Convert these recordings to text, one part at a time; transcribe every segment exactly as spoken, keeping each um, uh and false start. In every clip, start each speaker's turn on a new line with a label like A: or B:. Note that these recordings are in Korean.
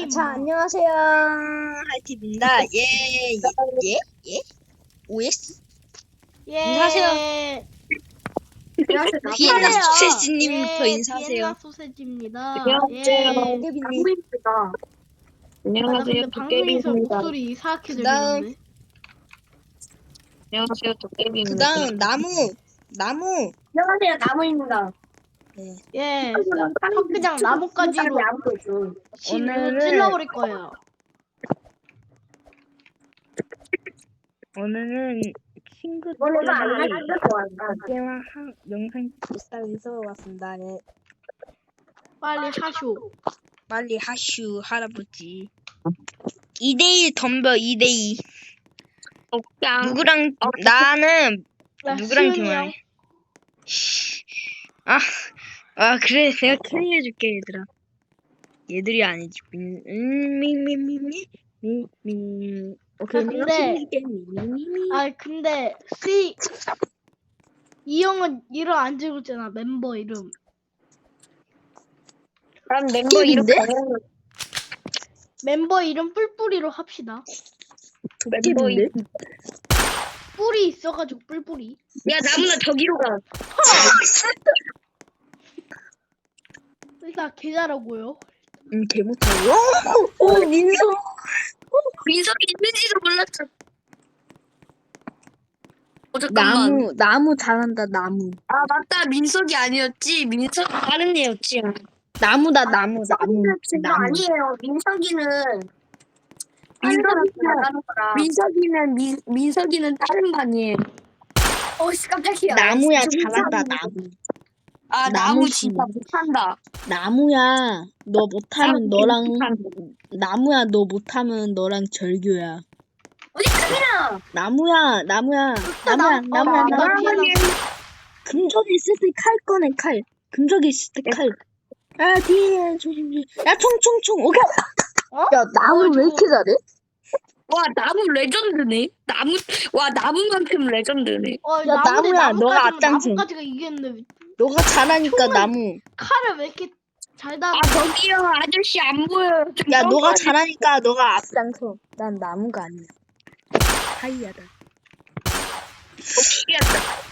A: 게임.
B: 자, 안녕하세요. 하이팁입니다. 예, 예, 예, 예? 오에스?
A: 예.
B: 인사하세요.
A: 안녕하세요.
B: 비엔나
A: 나팔이에요.
B: 소세지님부터
A: 예,
B: 인사하세요.
A: 비엔나 소세지입니다.
C: 안녕하세요.
A: 예.
B: 대빈님.
C: 방구입니다.
A: 아, 나
C: 안녕하세요.
A: 근데 방송에서
C: 도깨비입니다.
A: 목소리 이상하게
B: 그 다음.
A: 들리는데.
C: 안녕하세요.
B: 그
C: 도깨비입니다.
B: 다음, 나무. 나무.
C: 안녕하세요. 나무입니다.
B: 네.
A: 예. 턱 그냥 나뭇가지로 지금 이거
B: 오늘은-
A: 찔러버릴 거예요.
B: 오늘은 친구들이 게임 한 영상 비싸서 왔습니다. 네.
A: 빨리 하쇼.
B: 빨리 하슈, 할아버지. 이 대일 덤벼, 이 대이.
C: 옥장.
B: 누구랑,
C: 어,
B: 나는
A: 야,
B: 누구랑
A: 시은이 형.
B: 대화해? 아, 아 그래 내가 캐리 해줄게 얘들아. 얘들이 아니지. 민, 음, 미, 미, 미, 미, 미, 미. 오케이
A: 아,
B: 내가
A: 근데-
B: 캐리 해줄게. 미, 미, 미, 미.
A: 아 근데 시 이 형은 이름 안 적었잖아. 멤버 이름.
C: 난 멤버 이름
B: 도깨비인데?
C: 가는
A: 멤버 이름 뿔뿔이로 합시다.
C: 멤버 이름.
A: 뿔이 있어가지고 뿔뿔이.
C: 야 나무나 저기로 가.
A: 일단 계좌라고요.
B: 음, 개 못하고. 오, 오, 민서.
C: 민석이 있는지도 몰랐어. 어 잠깐만.
B: 나무, 나무 잘한다 나무.
C: 아 맞다. 민석이 아니었지. 민석 다른 애였지.
B: 나무다 나무 나무. 나무.
C: 아니에요. 민석이는 민석이는 민석이는 민, 민석이는 다른 반이에요. 어씨 깜짝이야.
B: 나무야
C: 진짜
B: 잘한다
C: 민석이.
B: 나무.
C: 아
B: 나무
C: 나무
B: 씨.
C: 진짜 못한다.
B: 나무야 너 못하면
C: 나무
B: 너랑
C: 못한다.
B: 나무야 너 못하면 너랑 절교야.
C: 어디 가냐?
B: 나무야 나무야 나무야
A: 나무-
B: 나무야
A: 어,
B: 나무야.
A: 나무-
B: 금적이 있을 때 칼 꺼내 칼. 금적이 있을 때 칼. 아 뒤에 조심 조심. 야 총총총. 오케이.
A: 어?
B: 야 나무
A: 어,
B: 왜
A: 저거-
B: 이렇게 잘해?
C: 와 나무 레전드네. 나무 와 나무만큼 레전드네.
A: 어,
B: 야,
A: 나무대
B: 나무야, 너가
A: 나무까지만
B: 앞장서.
A: 나무까지가 이겼는데
B: 너가 잘하니까
A: 총을-
B: 나무.
A: 칼을 왜 이렇게 잘 다?
C: 아 저기요 아저씨 안 보여요. 좀
B: 야 너가
C: 점프하지.
B: 잘하니까 너가 앞장서. 난 나무가 아니야. 하이야다.
C: 신기하다.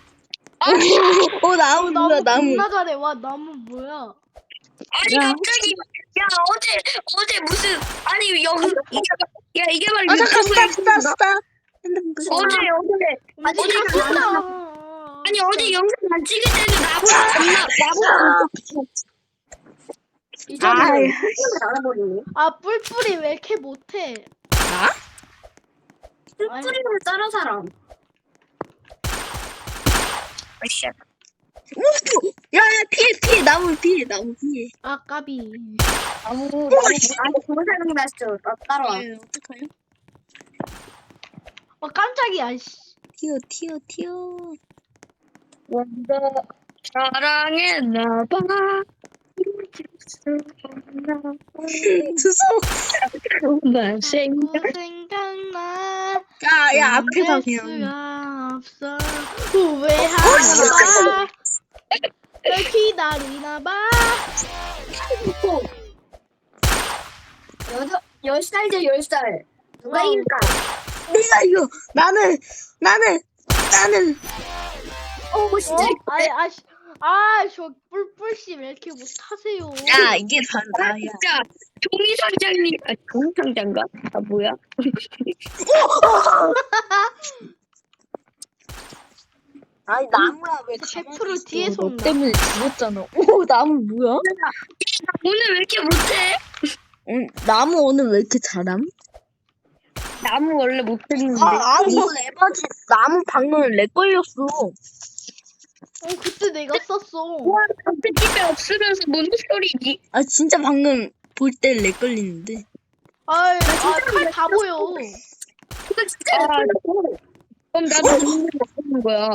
B: 어 나무 뭐야 나무.
A: 겁나 잘해. 와 나무 뭐야?
C: 아니
B: 야.
C: 갑자기 야 어제 어제 무슨 아니 영 이게 야 이게 말
B: 아 잠깐
C: 유튜브에
B: 스탑 스탑 스탑. 핸드폰 끄자.
C: 어제 어제 아니
A: 어디
C: 어제
A: 갔어?
C: 아니 어제 영상 안 찍을 때도 나보다 겁나 나보다
B: 아이.
C: 알아버리네.
A: 아 뿔뿔이 왜 이렇게 못해?
B: 나?
C: 뿔뿔이로 따라 사람. 아이씨.
B: 야야 피해 피해 나무 피해 나무 피해.
A: 아 까비.
C: 나무 나무 아니 그거 생각났어. 나 따라와.
B: 에, 어떡하냐?
A: 어 깜짝이야. 씨.
B: 튀어 튀어 튀어.
C: 먼저 사랑했나봐.
B: 주소.
C: 그만 생각.
A: 자꾸 생각나.
B: 야야 앞에서
A: 견딜
B: 그냥.
A: 수가 없어. 후회하나봐. 널 기다리나봐.
C: 여덟 열 살이죠 열 살. 누가
A: 어.
C: 이길까?
B: 내가 이거 나는 나는 나는.
C: 어
A: 어?
C: 진짜.
A: 아이 아씨. 아저 뿔뿔씨 왜 이렇게 못하세요?
B: 야 이게 바로
C: 아
B: 나야.
C: 진짜 종이 상장님 아 종이 상장가? 아 뭐야?
B: 아니 나무야 왜
A: 백
B: 가만히
A: 퍼센트
B: 있어?
A: 뒤에서
B: 너
A: 온다.
B: 때문에 죽었잖아. 오 나무 뭐야?
C: 오늘 왜 이렇게 못해?
B: 응, 나무 오늘 왜 이렇게 잘함?
C: 나무 원래 못했는데.
B: 아 아니 이건 에바지. 나무 방금 렉 걸렸어.
A: 어 그때 내가 썼어.
C: 와 앞에 집에 없으면서 뭔 소리지?
B: 아 진짜 방금 볼 때 렉 걸리는데.
A: 아이 아칼 다 보여.
C: 그거 진짜. 아, 그럼 나도 없는 거야.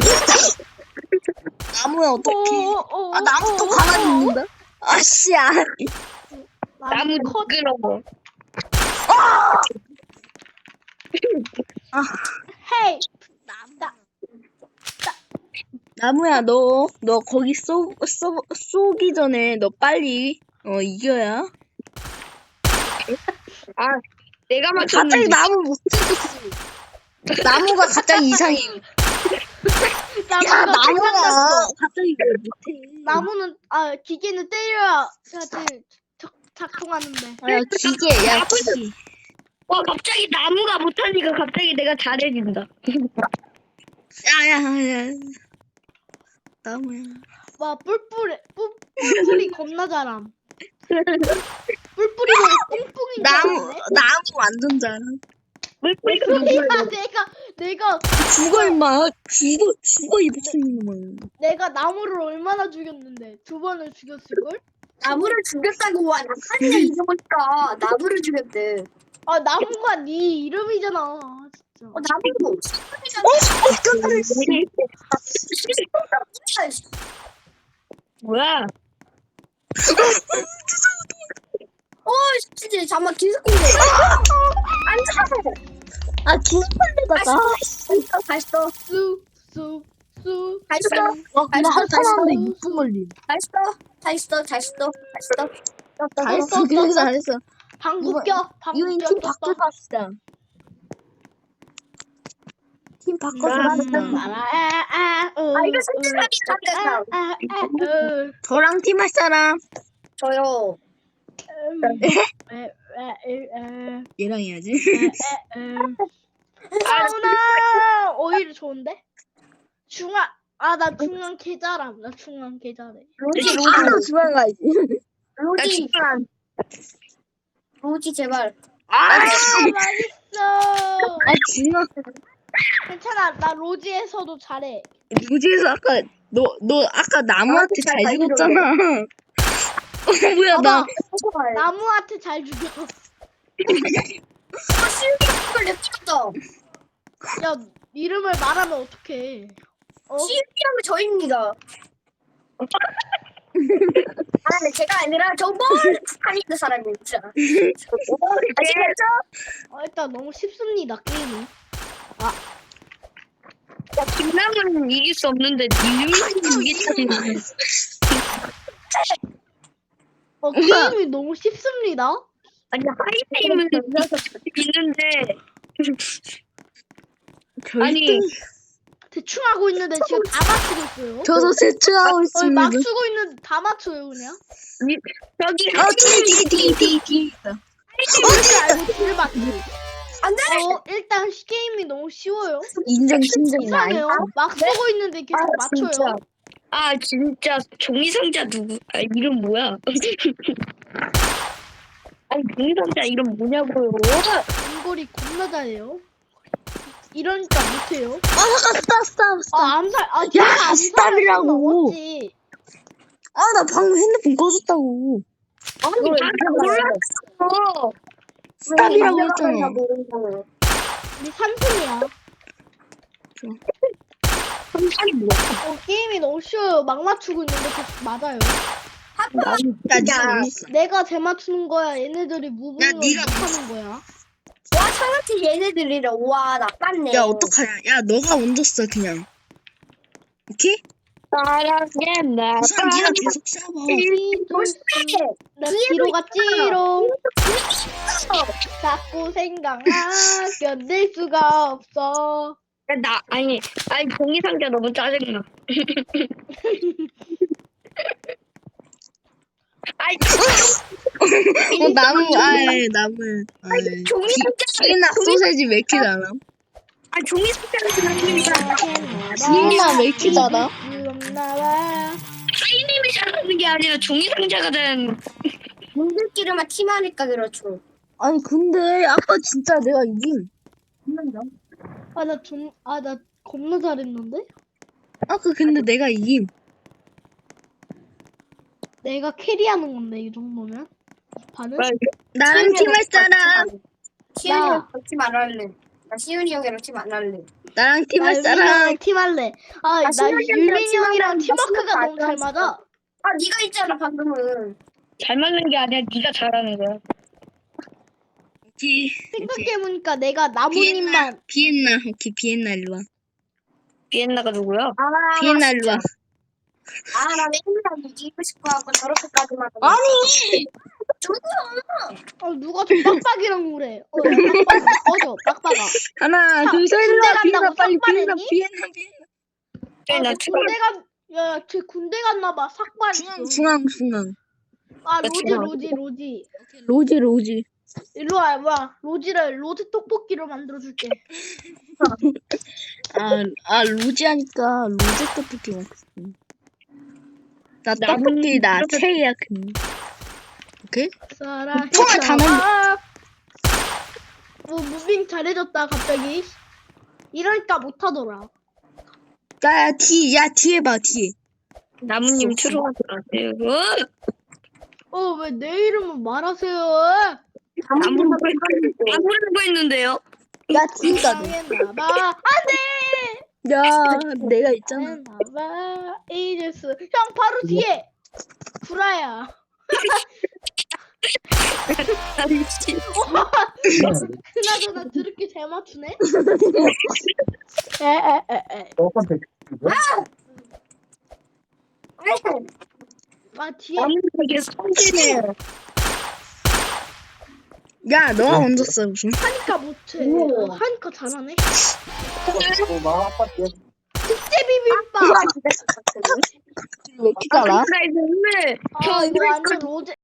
B: 나무야 어떡해.
A: 어, 어,
B: 아 나무 또
A: 어,
B: 가만히
A: 어,
B: 있는다. 아씨야.
C: 나무
A: 컷.
C: 미끄러워.
B: 아
A: 헤이.
B: 나무. 나무야 너 너 거기 쏘, 쏘, 쏘기 전에 너 빨리 어 이겨야.
C: 아, 내가
B: 갑자기
C: 맞췄는데.
B: 나무 못 찍었어. 나무가 갑자기 이상해. 야,
A: 나무가
B: 나무가
A: 생각났어.
B: 갑자기 왜 못해?
A: 나무는 아 기계는 때려야 지 작동하는데.
B: 야, 기계, 야, 기계.
C: 와, 갑자기 나무가 못하니까 갑자기 내가 잘해진다.
B: 야, 야, 야. 나무야.
A: 와 뿔뿔이 뿔, 뿔뿔이 겁나 잘함. 뿔뿔이 뿡뿡인
B: 나무,
A: 줄 알았네.
B: 나무 완전 잘하.
C: 물뿌리가
A: 뿔뿔이가
C: 누구야?
A: 내가 내가
B: 죽어, 임마. 죽어, 죽어, 이 미친놈아.
A: 내가 나무를 얼마나 죽였는데 두 번을 죽였을걸?
C: 나무를 죽였다고 와. 나까지나 잊어보니까 나무를 죽였대.
A: 아 나무가 네 이름이잖아 진짜.
C: 어, 나무도. 뭐야? 어, 진짜 잠만 기습공개. 앉아.
B: 아, 기습한데다가.
C: 맛있어, 맛있어,
A: 쑥쑥쑥
C: 맛있어,
B: 와, 근데 한 사람한테 육 분 걸림.
C: 맛있어, 맛있어, 맛있어, 맛있어.
B: 잘했어, 그래, 잘했어.
A: 방구
B: 이거-
A: 껴 방구
B: 유인
A: 껴
B: 팀 바꿔서 합시다. 팀 바꿔서
C: 나-
B: 합시다.
A: 아
C: 아, 이거 선택하기 잘했어.
B: 저랑 팀 할 사람.
C: 저요.
B: 얘랑 해야지.
A: 사우나 오히려 좋은데? 중앙 아나 중앙 계좌람 나 중앙 계좌래.
C: 로지,
B: 아,
C: 로지,
B: 주방 가야지.
C: 로지. 로지 제발.
B: 아,
A: 아 맛있어.
B: 아, 진아.
A: 괜찮아 나 로지에서도 잘해.
B: 무지에서 아까, 너, 너 아까 나무한테 잘
C: 잘
B: 죽었잖아. 어, 뭐야, 나.
C: 나
A: 나무한테 잘 죽여.
C: 시우이를 내 찍었다.
A: 야 이름을 말하면 어떡해. 어?
C: 시우이하면 저입니다. 아, 근데 제가 아니라 저 멀리 북한에 있는 사람이 진짜. 아시겠죠?
A: 어, 일단 너무 쉽습니다 게임이.
C: 야, 김남은 이길 수 없는데 니는 이기다니.
A: 어 게임이 너무 쉽습니다.
C: 아니 하이테임은 있는데 아니
A: 대충 하고 있는데 지금 다 맞추고 있어요.
B: 저도 세추하고
A: 어,
B: 있습니다.
A: 막 쓰고 있는데 다 맞춰요 그냥.
C: 여기
B: 어, 뒤, 뒤, 뒤, 뒤, 뒤.
A: 뭔지 알고 줄 맞지.
C: 안돼.
A: 어 일단 시- 게임이 너무 쉬워요.
B: 인정, 인정.
A: 이상해요. 막 쓰고 있는데 계속 맞춰요.
C: 아 진짜 종이 상자 누구? 아 이름 뭐야? 아니 종이 상자 이름 뭐냐고요?
A: 인골이 겁나 잘해요. 이러니까 못해요.
B: 아, 잠깐, 스탑, 스탑, 스탑.
A: 아 암살 아
B: 야,
A: 제가 암살할
B: 스탑이라고.
A: 수는 없지.
B: 아, 나 방금 핸드폰 꺼졌다고.
C: 아니 나 몰랐어.
B: 스탑이라고 했잖아.
A: 우리 삼순이야.
C: 아니 뭐야?
A: 어 게임이 너무 쉬워요. 막 맞추고 있는데 계속 맞아요.
B: 야, 니가 어딨어?
A: 내가 재 맞추는 거야. 얘네들이 무빙을
B: 야, 네가
A: 못하는 거야.
C: 와 저한테 얘네들이래. 와 나빴네.
B: 야, 어떡하냐. 야, 너가 먼저 써, 그냥. 오케이?
C: 사랑했나?
B: 우선 니가 계속 쏴봐.
A: 나 뒤로 갔지롱. 자꾸 생각나 견딜 수가 없어.
C: 나 아니 아니 종이 상자 너무 짜증나. 아니
B: 어, 나무, 아이, 나무. 아이.
C: 아니 종이 상자
B: 피나 소세지 왜 이렇게 잘함?
C: 아 종이 상자를 잘하니까
B: 피나 왜 이렇게 잘함?
A: 나와.
C: 하이님이 잘하는 게 아니라 종이 상자가 된. 분들끼리만 팀하니까 그렇죠.
B: 아니, 근데 아까 진짜 내가 이김.
A: 아나 좀 아 나 겁나 잘했는데?
B: 아까 근데 내가 이김.
A: 내가 캐리하는 건데 이 정도면 이 판은?
B: 나랑 팀 할 사람.
C: 시윤이 형 팀 안 할래. 나 시윤이 형이랑 팀 안 할래.
B: 나랑 팀 할
A: 나
B: 사람.
A: 율민이랑 팀 할래. 아 나
C: 신현이 형이랑
A: 율민이
C: 팀
A: 형이랑
C: 하면
A: 팀워크가
C: 나
A: 너무 잘
C: 신현이
A: 맞아.
C: 아 네가 있잖아 방금은. 잘 맞는 게 아니라 네가 잘하는 거야.
B: 오케이.
A: 생각해보니까 내가 나무님만
B: 비엔나. 오케이, 비엔나 일로 와.
C: 비엔나가 누구야? 아,
B: 비엔나 일로 와.
C: 아나 맨날 이기고 싶어하고 저렇게까지만.
B: 아니!
C: 누구야?
A: 어 누가 저 빡빡이랑 그래. 어 야, 빡빡이 꺼져 빡빡아.
B: 하나,
A: 자,
B: 둘, 셋,
A: 군대
B: 일어나. 비엔나,
A: 간다고
B: 빨리 비엔나,
A: 삭발했니?
B: 비엔나, 비엔나.
A: 아,
C: 나
A: 너 군대 간, 야, 쟤 군대 갔나봐. 삭발했어.
B: 중앙, 중앙, 중앙.
A: 아,
C: 나
A: 로지,
C: 중앙.
A: 로지, 로지.
B: 로지, 로지.
A: 일로 와, 뭐야. 로지를, 로지 떡볶이로 만들어줄게.
B: 아, 아, 로지 하니까 로제 떡볶이 먹었어. 나
C: 나는
B: 떡볶이 나
C: 이렇게-
B: 최애야, 그. 오케이?
A: 사랑해.
B: 총알 다
A: 아, 뭐, 무빙 잘해줬다, 갑자기. 이러니까 못하더라.
B: 야, 야, 뒤, 야, 뒤에 봐, 뒤에.
C: 나무님 추루하지 마세요.
A: 어, 왜 내 이름을 말하세요?
C: 나무라고 했는데. 나무라고 했는데요.
B: 야, 뒤가
A: 사랑했나봐. 안 돼!
B: 야, 내가 있잖아.
A: 사랑했나봐. 이제스. 형, 바로 뒤에! 구라야.
C: 아이씨.
A: 그나저나 드럽게 잘 맞추네? 에에에에. 아 뒤에
C: 나무님 되게 성질해요.
B: 야, 너가 먼저 써, 무슨.
A: 하니까 못해.
C: 오.
A: 어, 하니까 잘하네.
D: 어,
A: 특제 비빔밥.
B: 왜 이렇게 잘하?
C: 나 이제 오늘
A: 아 이거 완전 로제